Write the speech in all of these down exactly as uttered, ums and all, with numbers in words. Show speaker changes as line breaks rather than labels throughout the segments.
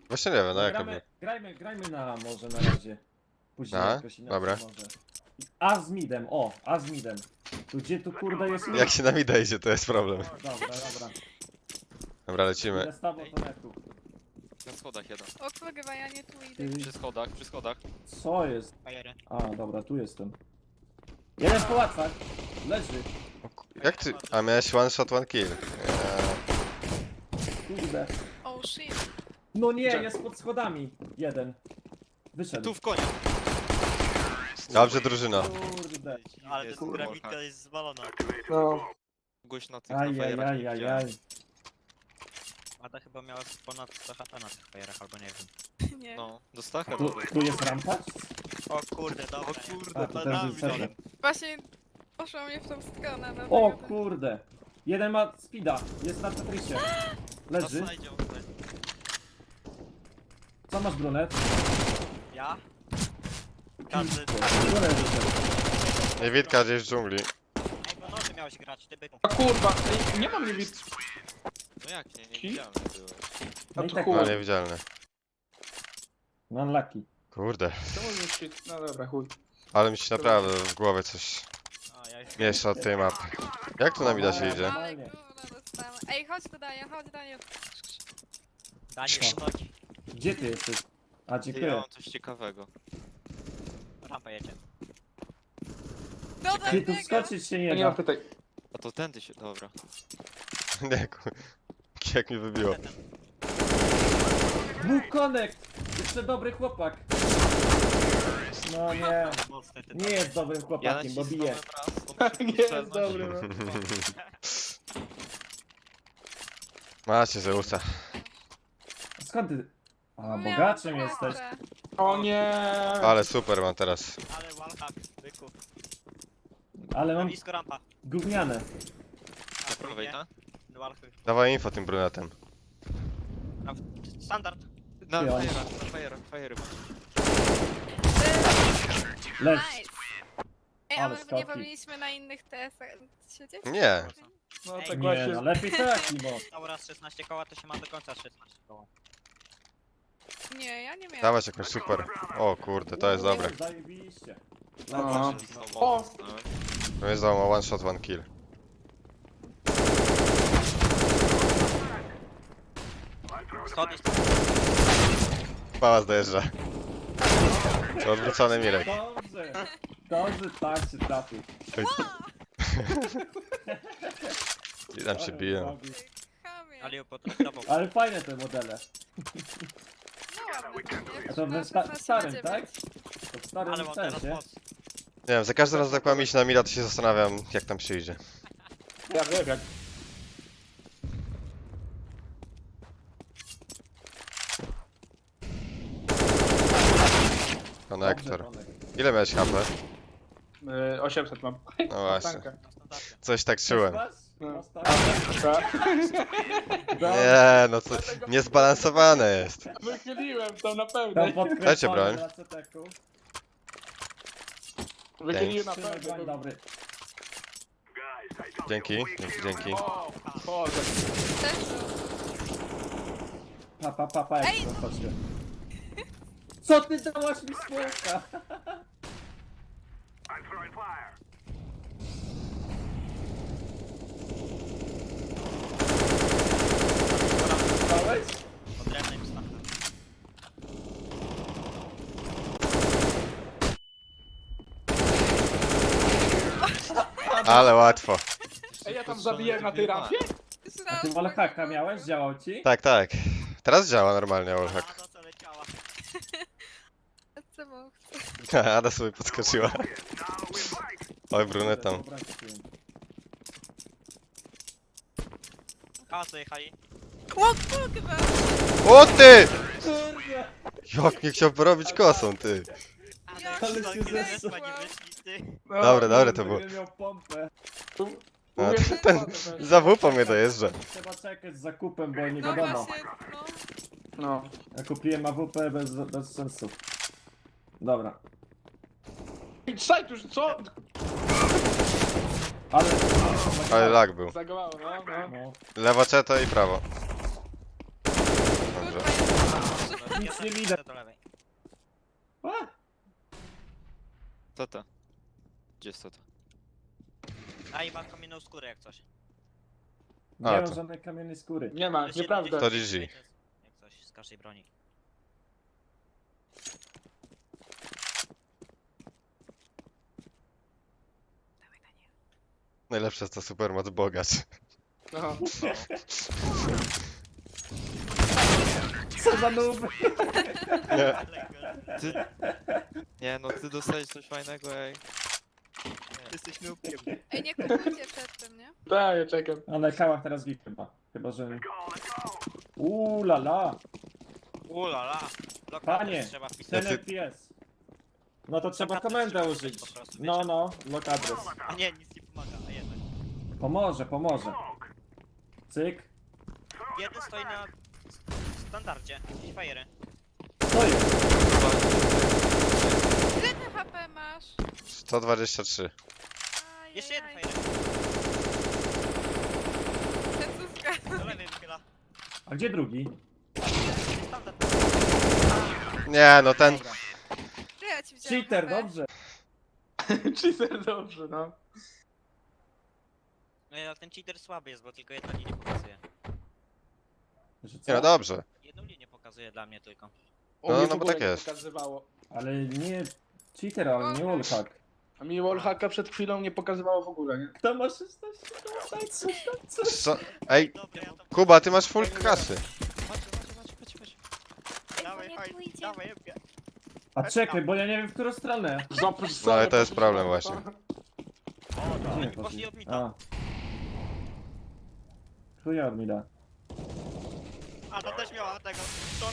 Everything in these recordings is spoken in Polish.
Właśnie nie wiem, no jak
gramy,
robię.
grajmy, grajmy na może na razie. Później
A?
jakoś inaczej
Dobra.
może. A z midem, o, a z midem. Tu gdzie tu kurde jest mid?
Jak się nam idzie, to jest problem.
Dobra, dobra.
Dobra, lecimy.
Idę z tobą to netu.
Na schodach jeden.
O kurwa, ja nie tu idę.
Ty,
Przy schodach, przy schodach.
co jest?
Fajery.
A, dobra, tu jestem. Jeden w pałacach. Leży.
O ku- Jak ty... A miałeś one shot, one kill. Eee,
Kurde.
Oh shit.
No nie, jest pod schodami. Jeden. Wyszedł.
Tu w koniu.
Dobrze, drużyno.
Kurde.
Ale
Jest
ten
wallhack.
grafika jest zwalona.
No.
Gość na tych na fajerach nie widziałem.
Ajajajajaj.
Ada chyba miała ponad sto H P na tych fajerach, albo nie wiem.
Nie.
No, do stacha
Tu,
robię.
tu jest rampa?
O kurde, dobra.
O kurde,
A, to
to
też
nami
wycenię.
dole.
Właśnie poszło mnie w tą stronę. dlatego
O
tak-
kurde. Jeden ma speeda. Jest na Tetrisie.
Na
Leży.
slajdzie on tutaj.
Co masz, brunet?
Ja? Każdy...
Brunet wyszedł.
Nie Witka gdzieś w dżungli.
Ej, bo nocy miałeś grać, ty byku.
A kurwa, ej, nie mam niewid...
No jak nie, nie
Ki?
widziałem byłeś.
No
A
i
to
tak
chuj.
No niewidzialny.
No unlucky.
Kurde.
Czemu mi się... No dobra, chuj.
Ale mi się naprawdę w głowie coś
A, ja już...
miesza od tej mapy. Jak tu na mida się idzie?
Ale
Normalnie.
gówno dostałam. Ej, chodź tu Daniel, chodź Daniel.
Daniel, unogi.
Gdzie ty jesteś? A,
Ty, ja
dziękuję.
mam coś ciekawego.
Rampa jedzie.
Dodaj
Ty tu
niego.
wskoczyć się
No
nie
nie mam
da.
tutaj.
A to tędy się, dobra.
Nie, ku- jak mi wybiło.
Ten,
Dwóch connect! Jeszcze dobry chłopak. No nie.
ten, mocny, ty
Nie jest dobrym
Ja
chłopakiem, bo bije.
nacisnąłem raz, to muszę
Nie jest
strzelnąć.
dobry, no.
Macie Zeusa.
Skąd ty? A,
No
bogaczem
miałam
jesteś.
kartę.
O nie!
Ale super mam teraz.
Ale wallhack, byku.
Ale
Na
mam
blisko rampa.
gówniane.
Na
Na prawej,
drugie.
tak?
Wallhack.
Dawaj info tym brunetem.
Na- Standard.
Na
Ty, on-
fajerach, na fajerach, fajery masz.
Leż.
Nice. Ej,
Ale
ale nie
skoki.
powinniśmy na innych T S-ach siedzieć?
Nie.
No
Ej,
tak
Nie,
właśnie.
no lepiej tak, bo.
Cały raz szesnaście koła, to się ma do końca szesnaście koła.
Nie, ja nie miałam.
Dawać jakąś super. O kurde, to jest dobre.
Zajebiście.
No.
Znowu
O!
dostałem.
To jest za one shot, one kill.
Schody,
Pałac dojeżdża. To odwrócony Mirek.
Dobrze. Dobrze, tak się trafił.
I tam się biją.
Chamie.
ale potraktował.
Ale fajne te modele.
No ładne, nie?
A to
Na
w sta
szesnaście
starym,
na
tak?
dziewięć.
To w starym
Ale mam teraz
sensie.
moc.
Nie wiem, za każdym razem jak mam iść na mida, to się zastanawiam, jak tam się idzie.
Ja wiem jak.
Konektor.
Dobrze, Tomek.
Ile miałeś H P?
Y, osiemset mam.
No właśnie.
Tanka.
Na standardzie.
Coś tak czułem.
Masz?
No.
Masz tak?
Tak.
Dobrze.
Nie, no to niezbalansowane jest.
Wychyliłem to na
Tam
pewno.
Dajcie
podkręcone
broń.
na ceteku.
Wychyliłem na
Trzymaj broń,
pewno.
dobry.
Dzięki, dzięki, dzięki.
O, Boże.
Też był.
Pa, pa, pa, pa, jak
Ej!
to chodźcie. Co ty dałaś mi smoka? Dałeś?
Odrębnej wstawka.
Ale łatwo.
Ej, ja tam zabiję na tej rampie?
A ty wallhacka miałeś? Działał ci?
Tak, tak. Teraz działa normalnie wallhack.
A za co leciała?
Co mam?
Ada sobie podskoczyła. Oj, brunetą.
Dobra, kupiłem.
A co jechali?
O kurwa!
O ty!
Kurde!
Jak mnie chciał porobić kosą, ty.
A
Ja
no,
Ale
ale
się
się
zesłał.
nie wyszli, ty.
No,
Dobre, dobre to
Kurde,
było.
nie miał pompę.
No,
Mówię, że
ten
to
za wupą mnie dojeżdża.
Trzeba czekać z zakupem, bo nie
No
wiadomo.
właśnie, no.
No.
Ja kupiłem A W P bez, bez sensu. Dobra.
Ej, Sajt już, co?
Ale...
Ale lag był.
Zagowało, no, no.
No.
Lewo ceto i prawo. Dobrze.
Kurwa,
nic
Ja
nie
tam
widać.
idę do lewej.
A,
Co to? Gdzie jest to? to?
A i mam kamienną skórę jak coś.
nie
A,
mam
to.
żadnej kamiennej skóry.
Nie ma,
Jest
nieprawda.
To
siedemdziesiąt,
G G.
Jak coś z każdej broni.
Najlepsze jest to supermoc bogacz.
No.
Co za noob?
Nie.
Ty... Nie no, ty dostałeś coś fajnego, ej.
Jesteś nubkiem.
Ej, nie kupujcie przed tym, nie?
Tak, ja czekam.
A na kałach teraz git chyba. Chyba, że... Uuu la la.
Ulala.
Panie,
Trzeba wpisać.
ten
ty-
F P S. No to trzeba
Lokat
komendę
trzeba
użyć.
po prostu,
No,
wiecie.
no, lock adres.
A nie, nic nie pomaga, a jednak.
Pomoże, pomoże. Cyk.
Jeden stoi na standardzie. I fajery.
Co jest?
Ile ty H P masz?
sto dwadzieścia trzy.
Ajajaj.
Jeszcze jeden fajer.
Jezuska.
Do lewej wychyla.
A gdzie drugi?
Standard.
Nie, no ten...
Dobra.
Ty, ja ci wziąłem
Cheater,
H P.
dobrze.
Cheater, dobrze, no.
No ale ten cheater słaby jest, bo tylko jedną linię pokazuje.
Że
Nie, no
co?
dobrze.
Jedną linię pokazuje dla mnie tylko.
U
No,
mnie
no
w
bo
ogóle
tak
nie
jest.
pokazywało.
Ale nie cheater, ale nie wallhack.
A mi wallhacka przed chwilą nie pokazywało w ogóle, nie?
Kto ma szesnaście? Daj coś, daj coś.
Co? Ej,
Dobra, ja to...
Kuba, ty masz full kasy.
Chodź, chodź, chodź, chodź, chodź.
Dawaj,
nie
chodź,
pójdzie.
dawaj, jebie.
A czekaj, bo ja nie wiem w którą stronę.
Zaprosz
No, ale to jest problem właśnie.
Gdzie
Oni
nie
poszli od
A.
mida.
Chuja od mida.
A to też miała tego. Short.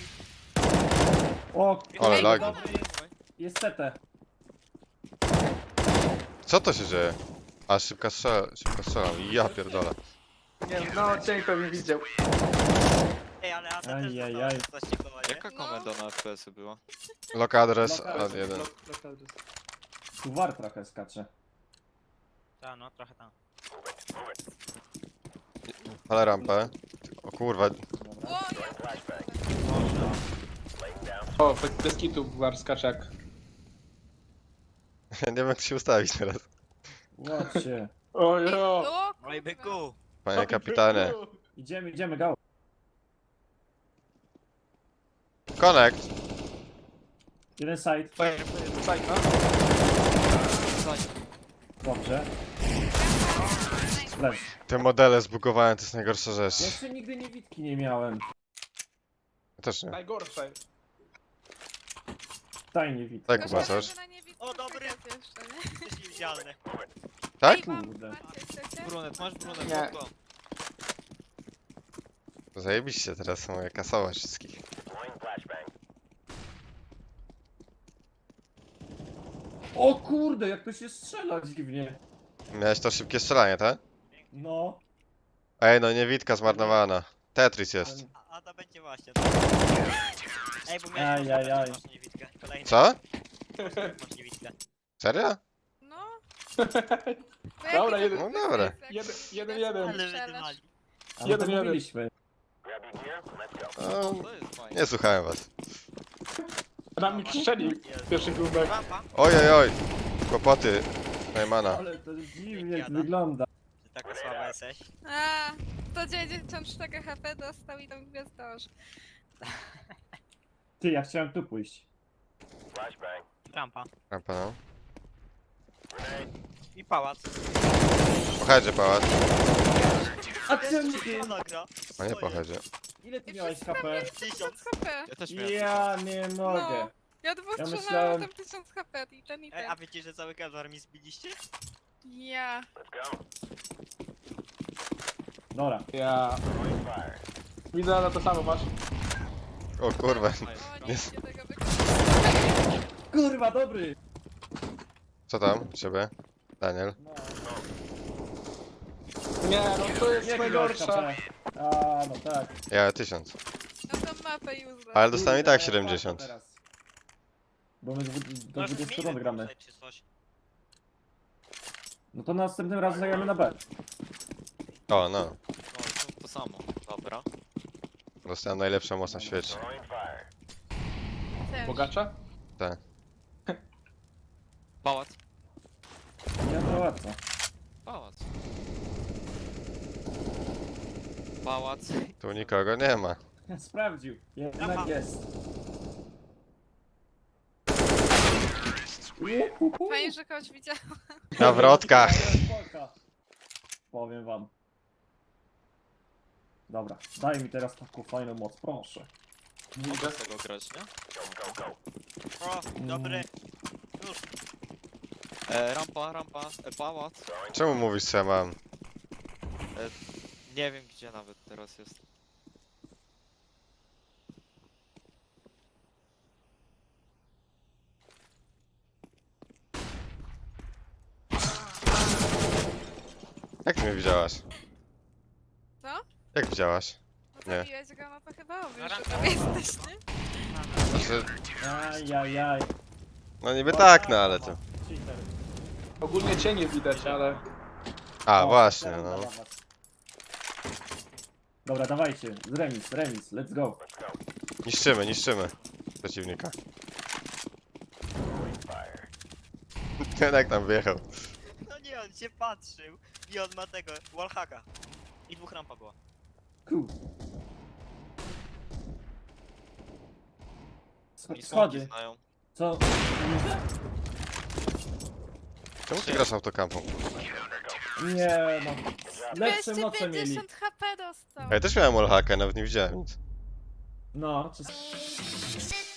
O,
Ale
Ej,
lagi.
dobry jest, jest C T.
Co to się dzieje? A, szybka strzela, szybko strzelam. Ja pierdolę.
Nie, no, cień pewnie widział.
Ej, ale Ada też
Ajajaj.
dostała coś ciekawego, nie?
Jaka komenda na F P S-y była?
Lock adres
Lock
ad
adres,
jeden.
Lock- lock adres.
Tu war trochę skacze.
Ta, no, trochę tam.
Ale rampę. O kurwa,
Dobra.
O, ja
O, bez- bez kitu war skaczak.
ja nie wiem jak się ustawić teraz.
Ładźcie.
Ojo!
O,
Oj,
kurwa.
byku!
Panie kapitanie.
Idziemy, idziemy, go.
Connect.
Jeden side.
Fajnie, fajnie, fajnie, no.
Dobrze. Leż.
Te modele zbugowałem, to jest najgorsza rzecz.
Jeszcze nigdy niewidki nie miałem.
Ja też nie.
Najgorsze.
Daj niewidki.
Tak,
To
Kuba,
szkoda,
coś?
że na niewidkę
O, dobry.
czekać jeszcze, nie?
Jesteś niewidzialny.
Tak?
Ej, mam,
Kurde.
macie, chcecie?
Brunet, masz brunet,
Nie.
go.
Zajebiście, teraz mogę kasować wszystkich.
O kurde, jak to się strzela dziwnie.
Miałeś to szybkie strzelanie, tak?
No.
Ej, no niewidka zmarnowana. Tetris jest.
Ten-
A Ada będzie właśnie. Ej, bo miałeś
Aj, aj, aj.
masz niewidkę. Kolejny.
Co?
Masz niewidkę.
Serio?
No.
Dobra, jeden-
No dobra.
Jeden, jeden, jeden.
Ale wydymali.
Ale
Jeden,
to
jeden.
mówiliśmy.
No,
To jest fajne.
nie słuchałem was.
Na mi strzelił pierwszy grubek.
Rampa.
Oj, oj, oj. Kłopoty. Najmana.
Ale to dziwnie
Jada.
wygląda.
Ty taka słaba jesteś.
A, sto dziewięćdziesiąt cztery H P dostał i tam gwiazdosz.
Ty, ja chciałem tu pójść.
Rampa.
Rampa, no.
I pałac.
Pochedzie pałac.
A czemu ty?
Ona gra.
A nie pochedzie.
Ile ty
I
miałeś
wszyscy
H P?
tysiąc H P.
Ja też miałem.
Ja nie mogę.
No. Ja dwóch
Ja
strzelałam,
myślałem-
tam tysiąc H P i ten i
Ej,
ten.
a wiecie, że cały kadar mi zbiliście?
Ja.
Dobra.
Ja. Widzę, ale to samo masz.
O kurwa.
O, nie
Nie.
widzicie tego wykonania.
Kurwa, dobry.
Co tam u ciebie? Daniel?
No.
Nie, no to jest
Jaki miałeś
najgorsza.
H P? A, no tak.
Ja tysiąc.
No tą mapę useless.
Ale dostałem i
Kurde,
tak
ja
siedemdziesiąt.
warto teraz. Bo my dwu- do
Może
dwudziestu
zmienimy
rund gramy.
tutaj czy coś.
No to następnym razem zagramy na B.
O, no.
No, to, to samo. Dobra.
Dostałem najlepszą moc na świecie.
Też.
Bogacza?
Pałac.
Nie pałaca.
Pałac. Pałac.
Tu nikogo nie ma.
Sprawdził. Jednak
Aha.
jest.
Fajnie, że kogoś widziałam.
Na wrotkach.
Spoko. Powiem wam. Dobra, daj mi teraz taką fajną moc, proszę.
Mogę z tego grać, nie?
O, dobry. Już.
E, rampa, rampa, e, pałac.
Czemu mówisz, co ja mam?
Nie wiem gdzie nawet teraz jest.
Jak ty mnie widziałaś?
Co?
Jak widziałaś?
No
Nie.
to biłeś go, no to chyba obvious, że
Ranka.
tam jesteś, nie?
Znaczy,
Ajajaj.
no niby tak, no ale to...
Cheater.
Ogólnie cię nie widać, ale...
A,
O,
właśnie,
chciałem
no.
zadawać. Dobra, dawajcie. Remis, remis, let's go.
Niszczymy, niszczymy przeciwnika. Ten jak tam wjechał.
No nie, on się patrzył i on ma tego, wallhacka. I dwóch rampa było.
Cool.
Oni smoki
Schody.
znają.
Co?
Czemu ty grasz autokampą?
Nie no. Lepsze
dwieście
moce mieli.
pięćdziesiąt H P dostał.
A ja też miałem wallhacka, nawet nie widziałem nic.
No, czy...
Sit